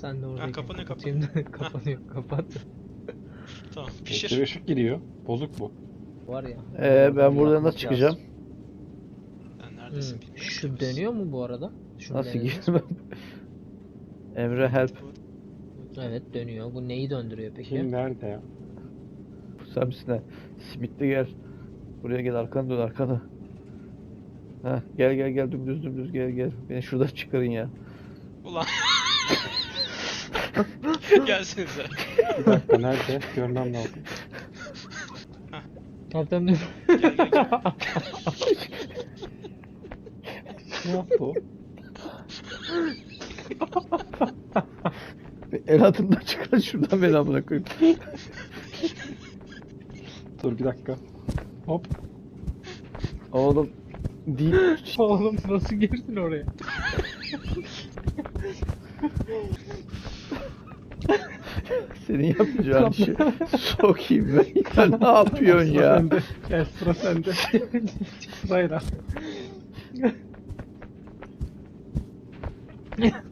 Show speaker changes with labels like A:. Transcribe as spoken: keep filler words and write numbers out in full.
A: Sen de orada.
B: Ha, kapanıyor,
A: kapatayım da kapanıyor. Kapat.
B: Tamam
C: Bir
B: pişir.
C: ışık giriyor. Bozuk bu.
A: Var ya.
D: Ee, ben
A: bunu
D: buradan
A: yapmak
D: nasıl çıkacağım?
A: lazım.
B: Sen neredesin
A: Hmm,
B: bilmiyorum.
A: Şu dönüyor mu bu arada? Şunu
D: Nasıl
A: denediniz
D: girmem? Emre help.
A: mi? Evet dönüyor. Bu neyi döndürüyor peki?
C: Kim nerede ya?
D: Sen misin ha? Simitli gel. Buraya gel, arkana dön, arkana. Heh, gel gel gel, dümdüz dümdüz gel gel. Beni şuradan çıkarın ya.
B: Ulan. Gelsenize.
C: Bir dakika nerede? Görmem lazım.
A: Kaptan dur.
B: Gel gel gel.
C: Ne yaptı o?
D: El altından çıkar şuradan, beni amına koyayım.
C: Dur bir dakika. Hop.
D: Oğlum değil.
A: Oğlum nasıl girdin oraya?
D: Senin yapacağın işi sokayım ben. Ya ne yapıyorsun
C: Sıra
D: ya?
C: sende. Gel sıra sende. Sırayla.